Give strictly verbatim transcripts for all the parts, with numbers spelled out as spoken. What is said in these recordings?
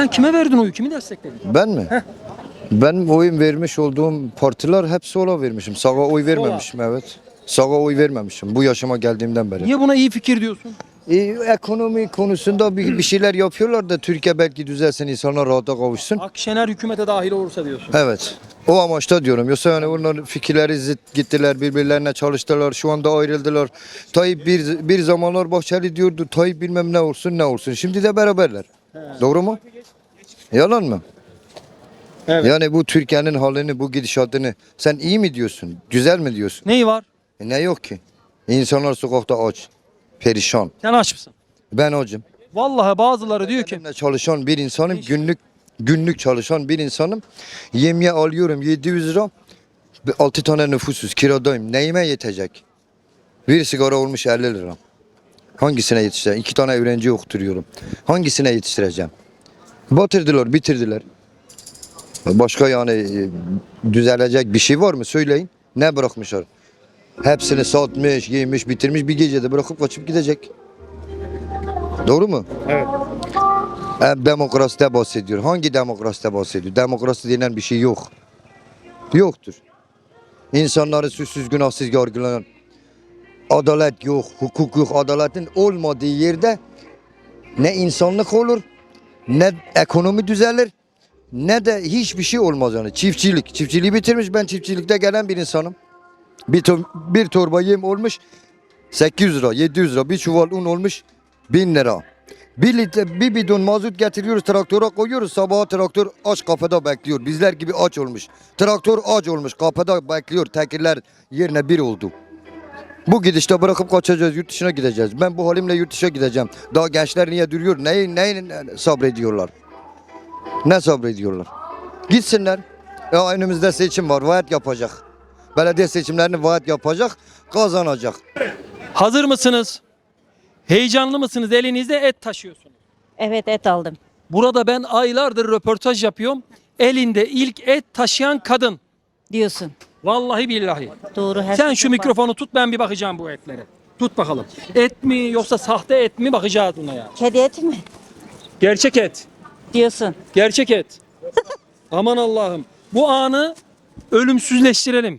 Sen kime verdin oyu? Kimi destekledin? Ben mi? Heh. Ben oyun vermiş olduğum partiler hep sola vermişim. Sağa oy vermemişim, evet. Sağa oy vermemişim bu yaşıma geldiğimden beri. Niye buna iyi fikir diyorsun? E, ekonomi konusunda bir, bir şeyler yapıyorlar da Türkiye belki düzelsin, insanlar rahata kavuşsun. Akşener hükümete dahil olursa diyorsun. Evet. O amaçta diyorum. Yoksa yani onların fikirleri zıt gittiler, birbirlerine çalıştılar. Şu anda ayrıldılar. Tayyip bir, bir zamanlar Bahçeli diyordu. Tayyip bilmem ne olsun ne olsun. Şimdi de beraberler. He. Doğru mu? Yalan mı? Evet. Yani bu Türkiye'nin halini, bu gidişatını sen iyi mi diyorsun? Güzel mi diyorsun? Neyi var? E ne yok ki? İnsanlar sokakta aç. Perişan. Sen aç mısın? Ben acım. Vallahi bazıları diyor ki Benimle çalışan bir insanım. Günlük günlük çalışan bir insanım. Yemeğe alıyorum yedi yüz lira. altı tane nüfusuz, kiradayım. Neyime yetecek? Bir sigara olmuş elli lira. Hangisine yetiştireceğim? İki tane öğrenci okuturuyorum. Hangisine yetiştireceğim? Batırdılar, bitirdiler. Başka yani e, düzelecek bir şey var mı? Söyleyin. Ne bırakmışlar? Hepsini satmış, giymiş, bitirmiş, bir gecede bırakıp kaçıp gidecek. Doğru mu? evet. Hep demokraside bahsediyor. Hangi demokraside bahsediyor? Demokrasi denen bir şey yok. Yoktur. İnsanları suçsuz günahsız yargılanan, adalet yok, hukuk yok. Adaletin olmadığı yerde ne insanlık olur, ne ekonomi düzelir, ne de hiçbir şey olmaz yani. Çiftçilik. Çiftçiliği bitirmiş. Ben çiftçilikte gelen bir insanım. Bir, to bir torba yem olmuş sekiz yüz lira, yedi yüz lira. Bir çuval un olmuş bin lira. Bir litre, bir bidon mazot getiriyoruz, traktöre koyuyoruz. Sabaha traktör aç kapıda bekliyor. Bizler gibi aç olmuş. Traktör aç olmuş, kapıda bekliyor. Tekirler yerine bir oldu. Bu gidişte bırakıp kaçacağız, yurt dışına gideceğiz. Ben bu halimle yurt dışına gideceğim. Daha gençler niye duruyor? Neyi, neyi sabrediyorlar? Ne sabrediyorlar? Gitsinler. Ya önümüzde seçim var, vaat yapacak. Belediye seçimlerini vaat yapacak, kazanacak. Hazır mısınız? Heyecanlı mısınız? Elinizde et taşıyorsunuz. Evet, et aldım. Burada ben aylardır röportaj yapıyorum. Elinde ilk et taşıyan kadın. Diyorsun. Vallahi billahi. Doğru. Her Sen şey şu çok mikrofonu tut, ben bir bakacağım bu etlere. Tut bakalım. Et mi yoksa sahte et mi, bakacağız buna ya. var. Kedi eti mi? Gerçek et. Diyorsun. Gerçek et. Aman Allah'ım. Bu anı ölümsüzleştirelim.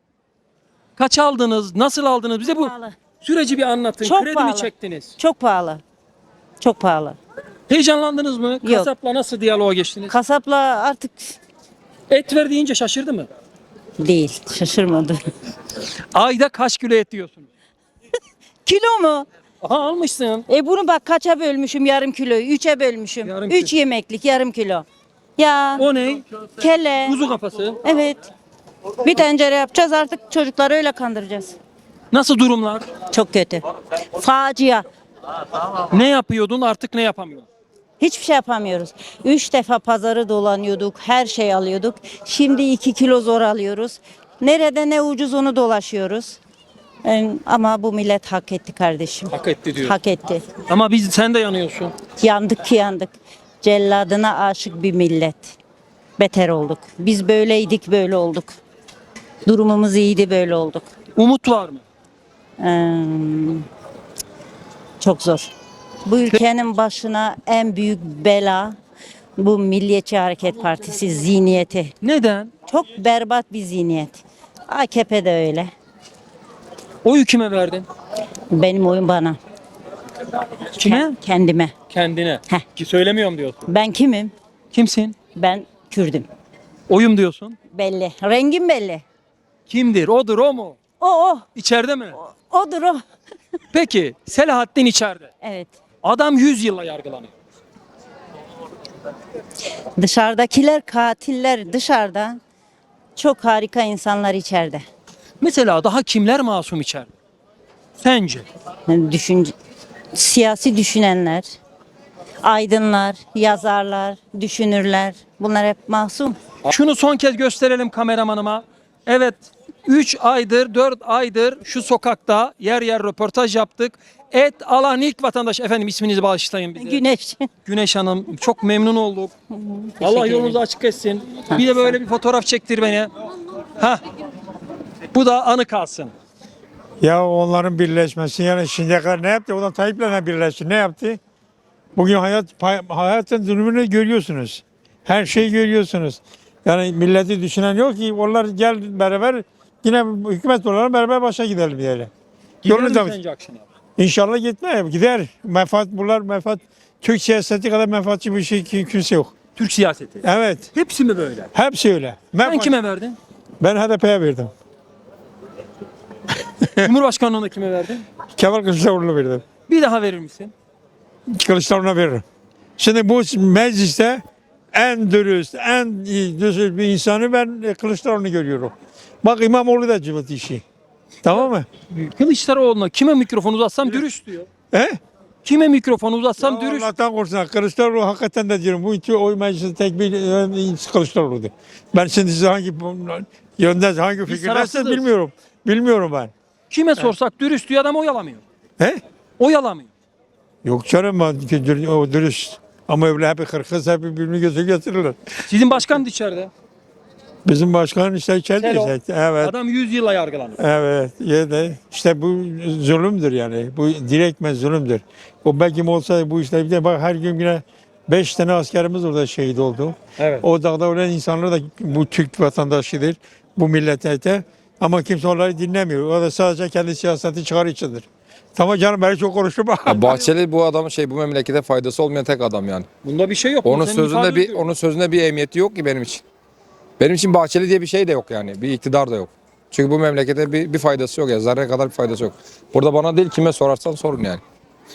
Kaç aldınız? Nasıl aldınız? Bize bu Pahalı. süreci bir anlatın. Çok Kredi mi pahalı. çektiniz? Çok pahalı. Çok pahalı. Heyecanlandınız mı? Yok. Kasapla nasıl diyaloğa geçtiniz? Kasapla artık Et ver deyince şaşırdı mı? değil. Şaşırmadı. Ayda kaç kilo et yiyorsunuz? Kilo mu? Aha, almışsın. E bunu bak kaça bölmüşüm yarım kiloyu. Üçe bölmüşüm. Yarım Üç kilo. yemeklik yarım kilo. Ya O ne? kelle. Kuzu kafası. Evet. Bir tencere yapacağız artık çocukları öyle kandıracağız. Nasıl durumlar? Çok kötü. Facia. Ne yapıyordun, artık ne yapamıyorsun? Hiçbir şey yapamıyoruz. Üç defa pazarı dolanıyorduk, her şey alıyorduk. Şimdi iki kilo zor alıyoruz. Nerede ne ucuz onu dolaşıyoruz. Em, Ama bu millet hak etti kardeşim. Hak etti diyor. Hak etti. Ama biz, sen de yanıyorsun. Yandık ki yandık. Celladına aşık bir millet. Beter olduk. Biz böyleydik böyle olduk. Durumumuz iyiydi böyle olduk. Umut var mı? Em, Çok zor. Bu ülkenin başına en büyük bela bu Milliyetçi Hareket Partisi zihniyeti. Neden? Çok berbat bir zihniyet. A K P de öyle. Oyu kime verdin? Benim oyun bana. Kime? Ke- Kendime. Kendine. Heh. Ki söylemiyorum diyorsun. Ben kimim? Kimsin? Ben Kürdüm. Oyum diyorsun. Belli. Rengim belli. Kimdir? Odur, o mu? O o. İçeride mi? Odur o. Peki Selahattin içeride. Evet. Adam yüz yılla yargılanıyor. Dışarıdakiler katiller dışarıda. Çok harika insanlar içeride. Mesela daha kimler masum içeride? Sence? Yani düşün, siyasi düşünenler, aydınlar, yazarlar, düşünürler. Bunlar hep masum. Şunu son kez gösterelim kameramanıma. Evet, üç aydır, dört aydır şu sokakta yer yer röportaj yaptık. Et alan ilk vatandaş, efendim isminizi bağışlayın bize. Güneş. Güneş Hanım, çok memnun olduk. Allah ederim. yolunuzu açık etsin. Bir de böyle bir fotoğraf çektir beni. Hah. Bu da anı kalsın. Ya onların birleşmesi yani şimdiye kadar ne yaptı? O da Tayyip'le ne birleşti? Ne yaptı? Bugün hayat pay- hayatın zulmünü görüyorsunuz. Her şeyi görüyorsunuz. Yani milleti düşünen yok ki onlar gel beraber yine hükümet olarak beraber başa gidelim diyelim. Gider Yolunu mi da- sence Akşener? İnşallah gitme gider. Menfaat bunlar menfaat. Türk siyaseti kadar menfaatçi bir şey ki- kimse yok. Türk siyaseti. Evet. Hepsi mi böyle? Hepsi öyle. Sen Menfaat- kime verdin? Ben H D P'ye verdim. Cumhurbaşkanlığına kime verdin? Kemal Kılıçdaroğlu'na verdim. Bir daha verir misin? Kılıçdaroğlu'na veririm. Şimdi bu mecliste en dürüst, en iyi düzgün bir insanı ben e, Kılıçdaroğlu'nu görüyorum. Bak İmamoğlu da cıvıt işi. Tamam mı? Kılıçdaroğlu'na kime mikrofon uzatsam dürüst diyor. He? Kime mikrofon uzatsam Ya dürüst. Allah'tan korusun. Kılıçdaroğlu hakikaten de diyorum. Bu iki oy meclisi tek bir e, Kılıçdaroğlu'du. Ben şimdi size hangi yönde, hangi fikirdesiniz tarafsızız. bilmiyorum. Bilmiyorum ben. Kime sorsak dürüst diyor, adam oyalamıyor. He? Oyalamıyor. Yok canım ben ki dür- o dürüst. Ama öyle hep kırkız hep birbirini gözü getirirler. Sizin başkan da içeride. Bizim başkan işte içeride Selo. işte. Evet. Adam yüz yıla yargılanıyor. Evet. Ya da işte bu zulümdür yani. Bu direktmen zulümdür. O belki olsa bu işte bir de bak her gün yine beş tane askerimiz orada şehit oldu. Evet. O dağda ölen insanlar da bu Türk vatandaşıdır. Bu millete. Ama kimse onları dinlemiyor. O da sadece kendi siyaseti çıkar içindir. Tamam canım ben çok konuştum. Ya Bahçeli bu adamın şey bu memlekete faydası olmayan tek adam yani. Bunda bir şey yok. Onun Senin sözünde ifade bir ediyor. onun sözünde bir emniyeti yok ki benim için. Benim için Bahçeli diye bir şey de yok yani. Bir iktidar da yok. Çünkü bu memlekete bir, bir faydası yok ya. Zerre kadar bir faydası yok. Burada bana değil kime sorarsan sorun yani.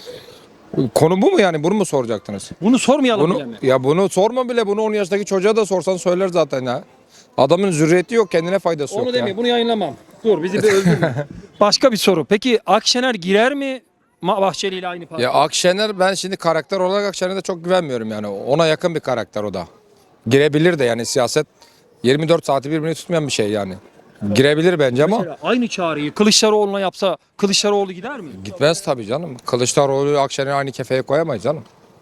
Konu bu mu yani? Bunu mu soracaktınız? Bunu sormayalım bile Bunu mi? ya bunu sorma bile. Bunu on yaşındaki çocuğa da sorsan söyler zaten ya. Adamın zürriyeti yok, kendine faydası Onu yok deme, ya. bunu yayınlamam. Dur bizi bir öldürme. Başka bir soru. Peki Akşener girer mi Ma- Bahçeli ile aynı parti? Ya Akşener ben şimdi karakter olarak Akşener'e çok güvenmiyorum yani. Ona yakın bir karakter o da. Girebilir de yani siyaset yirmi dört saati birbirini tutmayan bir şey yani. Girebilir bence ama Mesela aynı çağrıyı Kılıçdaroğlu'na yapsa Kılıçdaroğlu gider mi? gitmez tabii canım. Kılıçdaroğlu Akşener'i aynı kefeye koyamayız canım.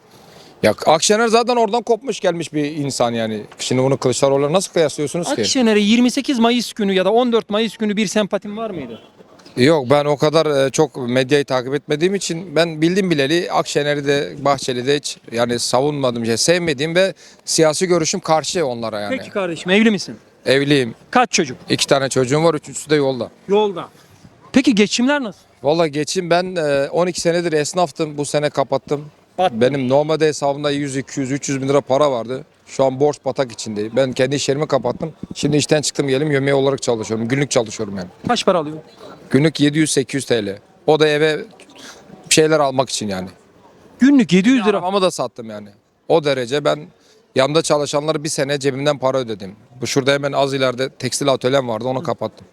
Ya Akşener zaten oradan kopmuş gelmiş bir insan yani. Şimdi bunu Kılıçdaroğlu'na nasıl kıyaslıyorsunuz ki? Akşener'e yirmi sekiz Mayıs günü ya da on dört Mayıs günü bir sempatim var mıydı? Yok ben o kadar e, çok medyayı takip etmediğim için ben bildim bileli Akşener'i de Bahçeli'de de hiç yani savunmadığım şey sevmediğim ve siyasi görüşüm karşı onlara yani. Peki kardeşim, evli misin? Evliyim. Kaç çocuk? İki tane çocuğum var. Üçüncüsü de yolda. Yolda. Peki geçimler nasıl? Vallahi geçim ben e, on iki senedir esnaftım. Bu sene kapattım. Battı. Benim normalde hesabımda yüz, iki yüz, üç yüz bin lira para vardı. Şu an borç batak içindeyim. Ben kendi iş yerimi kapattım. Şimdi işten çıktım gelim yemeği olarak çalışıyorum. Günlük çalışıyorum yani. Kaç para alıyor? Günlük yedi yüz sekiz yüz T L. O da eve bir şeyler almak için yani. Günlük yedi yüz lira. Arabamı da sattım yani. O derece ben yanımda çalışanlara bir sene cebimden para ödedim. Bu şurada hemen az ileride tekstil atölyem vardı onu kapattım.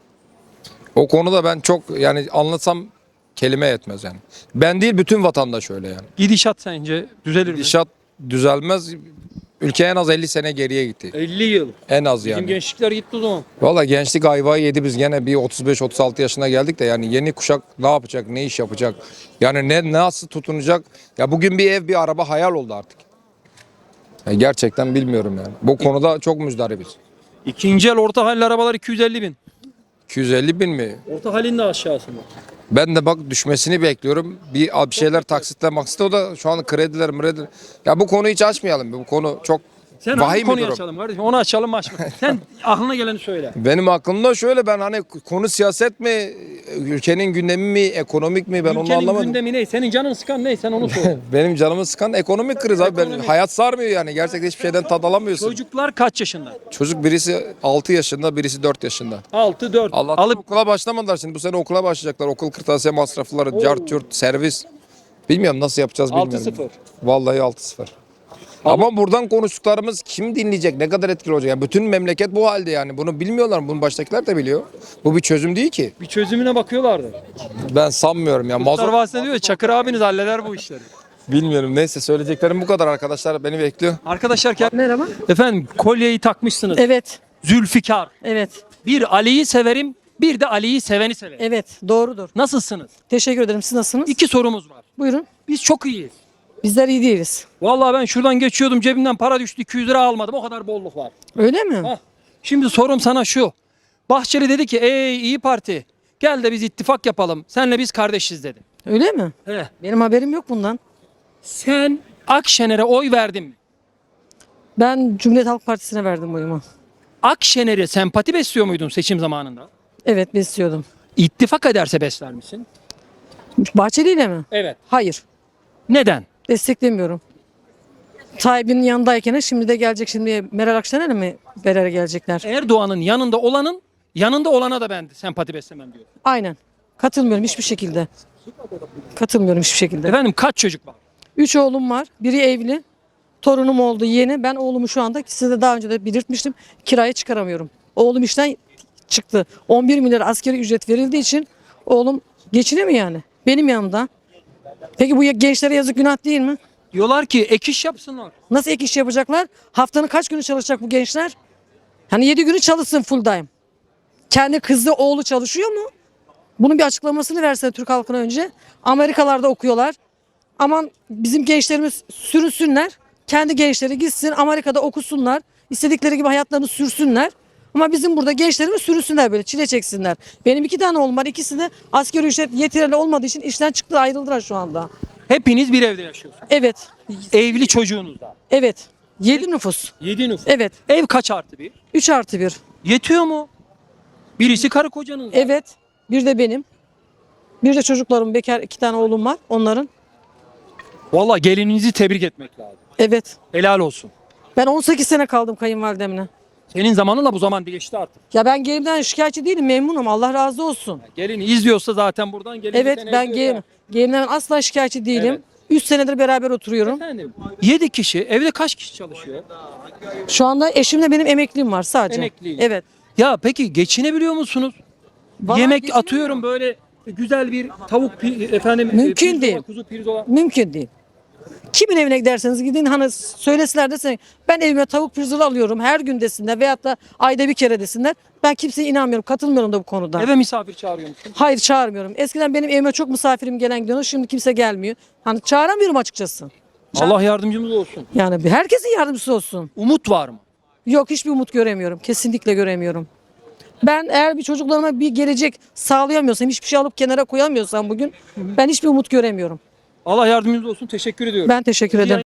O konuda ben çok yani anlatsam kelime yetmez yani. Ben değil bütün vatandaş öyle yani. Gidişat sence düzelir mi? Gidişat düzelmez. Ülke en az elli sene geriye gitti. elli yıl. En az Bizim yani. gençlikler gitti o zaman. Valla gençlik ayvayı yedi biz gene bir otuz beş otuz altı yaşına geldik de yani yeni kuşak ne yapacak, ne iş yapacak? Yani ne nasıl tutunacak? Ya bugün bir ev, bir araba hayal oldu artık. Ya gerçekten bilmiyorum yani. Bu konuda çok müzdaribiz. İkinci el orta halli arabalar iki yüz elli bin. iki yüz elli bin mi? Orta halin de aşağısında. Ben de bak düşmesini bekliyorum. Bir, bir şeyler taksitle maksitle o da şu an krediler mrediler. Ya bu konuyu hiç açmayalım. Bu konu çok Sen hangi vahim bir konuyu durum. açalım kardeşim? Onu açalım mı açma. Sen aklına geleni söyle. Benim aklımda şöyle ben hani konu siyaset mi, ülkenin gündemi mi, ekonomik mi ben onu Ülkenin anlamadım. gündemi ne? Senin canın sıkan ne? Sen onu söyle. Benim canımı sıkan ekonomik kriz abi. Ben, Ekonomik. hayat sarmıyor yani. Gerçekten hiçbir şeyden tad alamıyorsun. Çocuklar kaç yaşında? Çocuk birisi altı yaşında, birisi dört yaşında. altı dört. Allah'tan Alıp okula başlamadılar şimdi. Bu sene okula başlayacaklar. Okul kırtasiye masrafları, cart yurt, servis. Bilmiyorum nasıl yapacağız bilmiyorum. altı sıfır. Vallahi altı sıfır. Ama buradan konuştuklarımız kim dinleyecek? Ne kadar etkili olacak? Yani bütün memleket bu halde yani. Bunu bilmiyorlar. Bunu baştakiler de biliyor. Bu bir çözüm değil ki. Bir çözümüne bakıyorlardı. Ben sanmıyorum ya. Muhtar Mazot Vasıta diyor ya, Çakır abiniz halleder bu işleri. bilmiyorum. Neyse söyleyeceklerim bu kadar arkadaşlar. Beni bekliyor. Arkadaşlar ki- Merhaba. efendim kolyeyi takmışsınız. Evet, Zülfikar. evet, Bir Ali'yi severim, bir de Ali'yi seveni severim. evet. Doğrudur. Nasılsınız? Teşekkür ederim. Siz nasılsınız? İki sorumuz var. Buyurun. Biz çok iyiyiz. Bizler iyi değiliz. Vallahi ben şuradan geçiyordum, cebimden para düştü, iki yüz lira almadım. O kadar bolluk var. Öyle mi? Hah. Şimdi sorum sana şu. Bahçeli dedi ki ey İyi Parti gel de biz ittifak yapalım. Senle biz kardeşiz dedi. Öyle mi? He. Benim haberim yok bundan. Sen Akşener'e oy verdin mi? Ben Cumhuriyet Halk Partisi'ne verdim oyumu. Akşener'e sempati besliyor muydun seçim zamanında? Evet, besliyordum. İttifak ederse besler misin? Bahçeli ile mi? Evet. Hayır. Neden? Desteklemiyorum. Tayyip'in yanındayken şimdi de gelecek, şimdi Meral Akşener'e mi beraber gelecekler? Erdoğan'ın yanında olanın yanında olana da ben sempati beslemem diyor. Aynen. Katılmıyorum hiçbir şekilde. Katılmıyorum hiçbir şekilde. Efendim kaç çocuk var? Üç oğlum var. Biri evli. Torunum oldu yeni. Ben oğlumu şu anda size de daha önce de belirtmiştim. Kiraya çıkaramıyorum. Oğlum işten çıktı. on bir milyar askeri ücret verildiği için oğlum geçinemiyor yani. Benim yanımda. Peki bu gençlere yazık, günah değil mi? Diyorlar ki ek iş yapsınlar. Nasıl ek iş yapacaklar? Haftanın kaç günü çalışacak bu gençler? Hani yedi günü çalışsın full time. Kendi kızı oğlu çalışıyor mu? Bunun bir açıklamasını verse Türk halkına önce. Amerikalarda okuyorlar. Aman bizim gençlerimiz sürünsünler. Kendi gençleri gitsin Amerika'da okusunlar. İstedikleri gibi hayatlarını sürsünler. Ama bizim burada gençlerimiz sürünsünler, böyle çile çeksinler. Benim iki tane oğlum var. İkisi de asgari ücret yeterli olmadığı için işten çıktı, ayrıldılar şu anda. Hepiniz bir evde yaşıyorsunuz. Evet. Evli çocuğunuz da. Evet. yedi nüfus. yedi nüfus. Evet. Ev kaç artı bir? üç artı bir. Yetiyor mu? Birisi karı kocanın. zaten. Evet. Bir de benim. Bir de çocuklarım, bekar iki tane oğlum var onların. Vallahi gelininizi tebrik etmek lazım. Evet. Helal olsun. Ben on sekiz sene kaldım kayınvalidemle. Senin zamanınla bu zaman değişti artık. Ya ben gelimden şikayetçi değilim, memnunum. Allah razı olsun. Gelini izliyorsa zaten buradan gelin. Evet, ben gelim, gelimden asla şikayetçi değilim. Evet. üç senedir beraber oturuyorum. Efendim yedi kişi evde kaç kişi çalışıyor? Şu anda eşimle benim emekliliğim var sadece. Emekliyiz. Evet. Ya peki geçinebiliyor musunuz? Vallahi Yemek geçinemiyorum. atıyorum böyle güzel bir tavuk pi- efendim Mümkün pirzola, değil. kuzu pirzola. Mümkün değil. Kimin evine giderseniz gidin, hani söyleseler desin ben evime tavuk pirzola alıyorum her gün desinler veyahut da ayda bir kere desinler. Ben kimseye inanmıyorum, katılmıyorum da bu konuda. Eve misafir çağırıyor musun? Hayır, çağırmıyorum. Eskiden benim evime çok misafirim gelen gidiyor. Şimdi kimse gelmiyor. Hani çağıramıyorum açıkçası. Allah yardımcımız olsun. Yani bir- herkesin yardımcısı olsun. Umut var mı? Yok, hiçbir umut göremiyorum. Kesinlikle göremiyorum. Ben eğer bir çocuklarıma bir gelecek sağlayamıyorsam, hiçbir şey alıp kenara koyamıyorsam bugün ben hiçbir umut göremiyorum. Allah yardımcınız olsun. Teşekkür ediyorum. Ben teşekkür ederim.